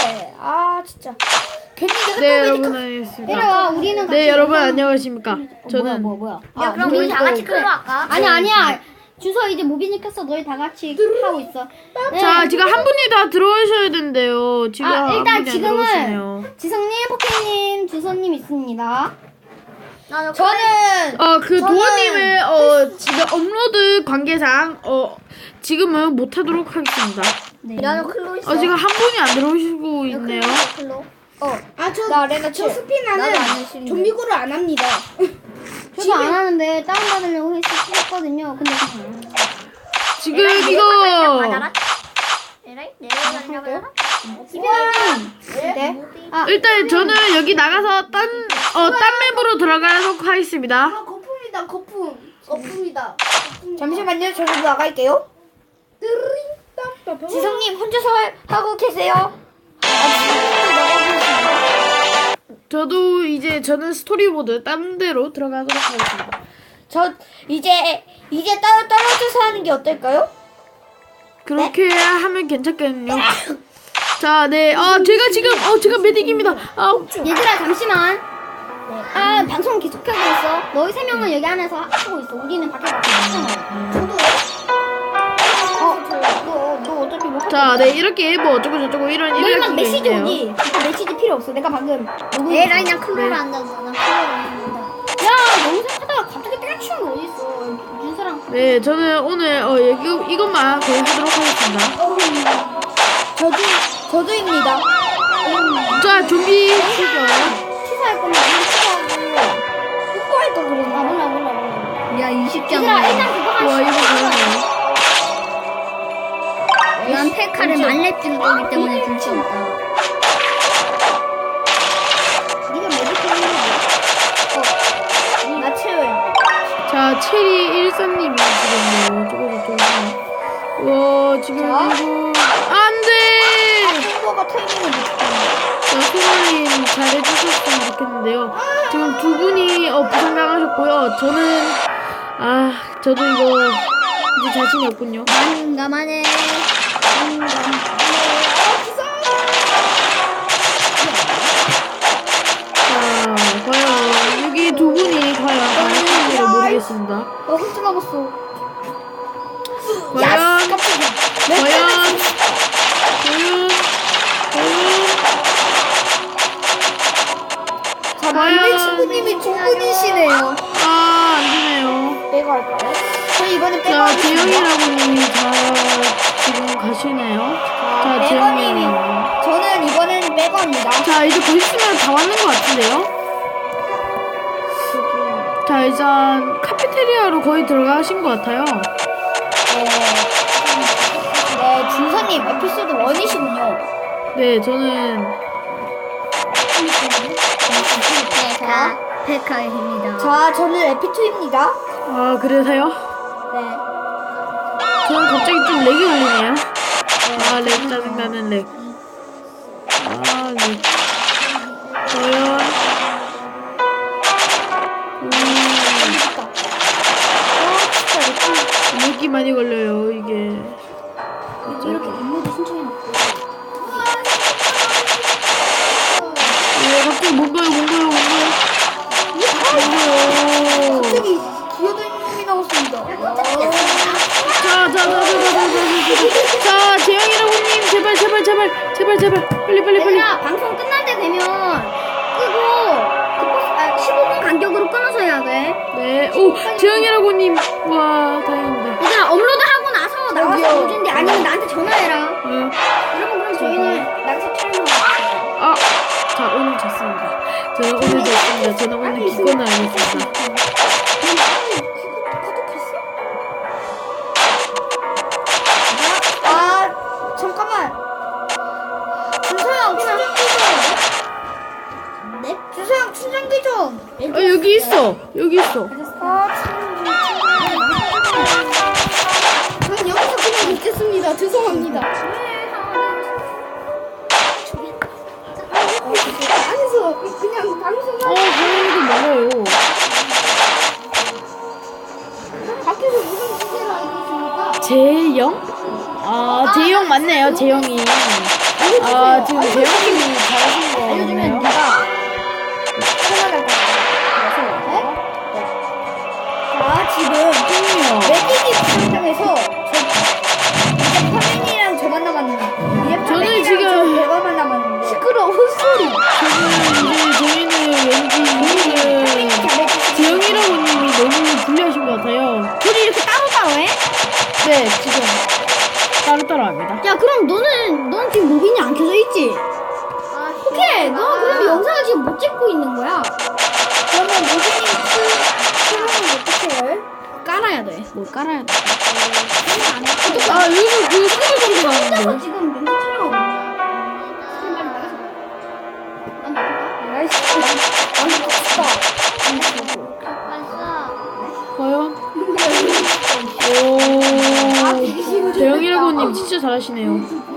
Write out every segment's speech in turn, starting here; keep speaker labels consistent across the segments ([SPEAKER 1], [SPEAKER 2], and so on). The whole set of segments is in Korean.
[SPEAKER 1] 아 진짜. 괜히 내가
[SPEAKER 2] 네,
[SPEAKER 1] 또
[SPEAKER 2] 여러분 안녕하십니까.
[SPEAKER 1] 내려와. 우리는 같이.
[SPEAKER 2] 네, 여러분 안녕하십니까. 저는
[SPEAKER 1] 뭐야.
[SPEAKER 3] 야, 그럼 우리 다 같이 클로 할까?
[SPEAKER 1] 아니야. 주서 이제 모비님 켰어. 너희 다 같이 하고 있어. 네.
[SPEAKER 2] 자, 지금 한 분이 다 들어오셔야 된대요. 지금 한
[SPEAKER 1] 일단
[SPEAKER 2] 분이 안 들어오시네요.
[SPEAKER 1] 지금은 지성님, 포켓님, 주서님 있습니다.
[SPEAKER 3] 저는
[SPEAKER 2] 그 도원님의 지금 업로드 관계상 지금은 못 하도록 하겠습니다.
[SPEAKER 1] 네.
[SPEAKER 3] 나는 클로 있어.
[SPEAKER 2] 지금 한 분이 안 들어오시고 있네요.
[SPEAKER 3] 클로.
[SPEAKER 1] 나 레나
[SPEAKER 3] 저 스피나는
[SPEAKER 1] 나도 안 했습니다.
[SPEAKER 3] 좀비고를 안 합니다.
[SPEAKER 1] 저도 안 하는데 다운받으려고 했었거든요. 근데
[SPEAKER 2] 지금 이거
[SPEAKER 1] 네?
[SPEAKER 2] 일단 저는 여기 나가서 딴 맵으로 들어가도록 하겠습니다.
[SPEAKER 3] 거품이다, 거품이다.
[SPEAKER 1] 잠시만요. 저도 나갈게요. 지성님 혼자서 하고 계세요.
[SPEAKER 2] 저도 이제 저는 스토리보드 딴 데로 들어가도록 하겠습니다.
[SPEAKER 1] 저 이제 따로 떨어져서 하는 게 어떨까요?
[SPEAKER 2] 그렇게 하면 괜찮겠네요. 자, 네. 제가 메딕입니다.
[SPEAKER 1] 얘들아 잠시만. 방송 계속하고 있어. 너희 세 명은 여기 안에서 하고 있어. 우리는 밖에 나가서 하잖아. 저도. 너 어차피 뭐.
[SPEAKER 2] 자, 네. 이렇게 뭐 어쩌고저쩌고 이런
[SPEAKER 1] 너희 막
[SPEAKER 2] 이야기가
[SPEAKER 1] 메시지
[SPEAKER 2] 있네요.
[SPEAKER 1] 오지. 그 메시지 필요 없어. 내가 방금.
[SPEAKER 3] 에라이, 난 클로를 안 한다. 난 클로를 안 한다.
[SPEAKER 1] 야 영상 하다가 갑자기 때려치운 거 어딨어. 윤서랑.
[SPEAKER 2] 네, 저는 오늘 이것만 거의 하도록 하겠습니다.
[SPEAKER 1] 저도입니다.
[SPEAKER 2] 자, 좀비 시죠.
[SPEAKER 1] 취소할 거면 취소하고 뽀뽀할 거 그랬나? 몰라.
[SPEAKER 3] 야, 20장.
[SPEAKER 1] 얘들아 일단 그거
[SPEAKER 2] 와, 이거 그러네.
[SPEAKER 3] 난 페카를 만렙 뜬 거기 때문에 줄 수 없다.
[SPEAKER 1] 니가 메디컬 하는 나 채워요.
[SPEAKER 2] 자, 체리 1사님이 지금 어쩌고저쩌고. 지금 이거 안 돼!
[SPEAKER 1] 뽀뽀가 타이밍을 놓쳤다.
[SPEAKER 2] 자, 소라님 잘해주셨으면 좋겠는데요. 지금 두 분이 부상 당하셨고요. 저도 이거 이제 자신이 없군요.
[SPEAKER 3] 난감하네.
[SPEAKER 2] 자, 과연 여기 두 분이 과연 잘하실지를 모르겠습니다.
[SPEAKER 1] 훔쳐 먹었어.
[SPEAKER 2] 과연
[SPEAKER 1] 우리 친구님이 두 분이시네요.
[SPEAKER 2] 안 되네요.
[SPEAKER 1] 빼고 할까요? 저희 이번에 빼고
[SPEAKER 2] 자,
[SPEAKER 1] 하겠습니다.
[SPEAKER 2] 재영이라고님이 지금 가시네요. 자, 재영님.
[SPEAKER 1] 저는 이번엔 빼고 합니다.
[SPEAKER 2] 자, 이제 곧 있으면 다 왔는 것 같은데요? 자, 일단 카페테리아로 거의 들어가신 것 같아요.
[SPEAKER 1] 네, 준서님 에피소드 1이시군요.
[SPEAKER 2] 네, 저는
[SPEAKER 3] 페카의 힘이다.
[SPEAKER 1] 자, 저는 에피2입니다.
[SPEAKER 2] 그래서요?
[SPEAKER 1] 네.
[SPEAKER 2] 저는 갑자기 좀 렉이 걸리네요. 렉 짜증나는 렉. 렉. 과연 렉이 많이 걸려요, 이게.
[SPEAKER 1] 이렇게 업로드 신청해놓고.
[SPEAKER 2] 갑자기 뭔가요?
[SPEAKER 1] 갑자기 기어다니는 놈이 나왔습니다.
[SPEAKER 2] 자, 재영이라고님, 제발. 빨리.
[SPEAKER 1] 얘들아, 방송 끝날 때 되면 끄고 15분 간격으로 끊어서 해야 돼.
[SPEAKER 2] 네, 재영이라고님, 와, 다행입니다.
[SPEAKER 1] 얘들아, 업로드하고 나서 나와서 보준대 아니면 나한테 전화해라.
[SPEAKER 2] 네.
[SPEAKER 1] 여러분, 그럼 저희는 나가서 촬영을 할게요.
[SPEAKER 2] 자, 오늘 졌습니다. 저는 오늘 기권을 하겠습니다.
[SPEAKER 1] 잠깐만. 주소형 충전기 좀. 네? 주소형 충전기 좀.
[SPEAKER 2] 여기 있어.
[SPEAKER 1] 전 여기서 그냥 있겠습니다. 죄송합니다. 안에서 그냥 방송하고
[SPEAKER 2] 고양이도 먹어요.
[SPEAKER 1] 밖에서 무슨 주제를 알고 있습니까?
[SPEAKER 2] 재영? 재영 맞네요, 재영이. 아 지금 재영님이 잘하신 거
[SPEAKER 1] 알려주면
[SPEAKER 2] 같나요?
[SPEAKER 1] 네가 생각할 것 같아서. 자, 지금 매기기 상황에서 이제 화면이랑 저만 남았는데. 이제
[SPEAKER 2] 저는
[SPEAKER 1] 화면이랑
[SPEAKER 2] 지금-
[SPEAKER 1] 저 대화만 남았는데. 시끄러워 헛소리.
[SPEAKER 2] 저희는 왠지 재영이라고님이 너무 불리하신 것 같아요.
[SPEAKER 1] 둘이 이렇게 따로따로 해?
[SPEAKER 2] 네 지금 따로따로 합니다.
[SPEAKER 1] 야, 그럼 넌 지금 로빈이 안 켜져 있지? 오케이, 너 그럼 영상을 지금 못 찍고 있는 거야. 그러면 로빈이 켜면 어떻게 해? 깔아야 돼. 뭘 깔아야 돼?
[SPEAKER 2] 아 여기서 그 소리 소리가
[SPEAKER 1] 혼자서
[SPEAKER 2] 나는데.
[SPEAKER 1] 지금 멘트 촬영하고 있냐? 그럼 빨리 나가서. 난 나갈까? 나이스.
[SPEAKER 2] 과연? 오 재영이라고님 진짜 잘하시네요.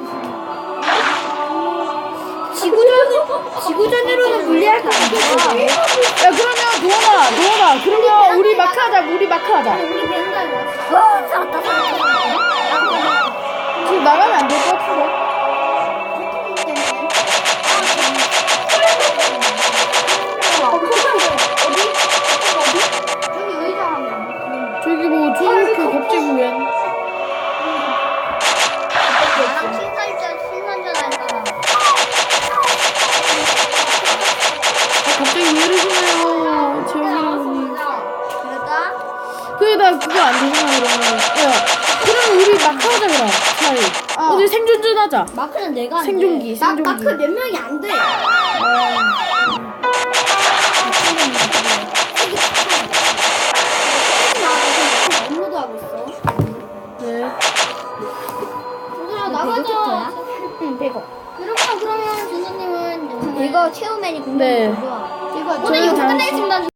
[SPEAKER 1] 지구전으로는 불리할 것 같아.
[SPEAKER 2] 야 그러면 도원아 그러면 우리 마크 하자.
[SPEAKER 1] 우리 벤가에 왔어. 살았다.
[SPEAKER 2] 지금 나가면 안 될 것 같은데.
[SPEAKER 1] 여기 의자 하면.
[SPEAKER 2] 저기 뭐 저렇게 갑자기 왜
[SPEAKER 3] 나랑 신선전 할 사람.
[SPEAKER 2] 갑자기 왜 이러시나요 재영이라고님.
[SPEAKER 3] 그럴까?
[SPEAKER 2] 그래 나 그거 안 되잖아 그러면. 야 그럼 우리 마크 하자 그럼 차라리. 어디 생존전 하자.
[SPEAKER 1] 마크는 내가 안 돼.
[SPEAKER 2] 생존기.
[SPEAKER 1] 마크 몇 명이 안 돼. 업로드하고 있어.
[SPEAKER 2] 네.
[SPEAKER 1] 얘들아 나가자. 응, 100억. 여러분 그러면 준서님은 이거 체험맨이 공략이
[SPEAKER 2] 네.
[SPEAKER 1] 좋아.
[SPEAKER 2] 저는
[SPEAKER 1] 오늘 영상
[SPEAKER 2] 잠시-
[SPEAKER 1] 끝내겠습니다.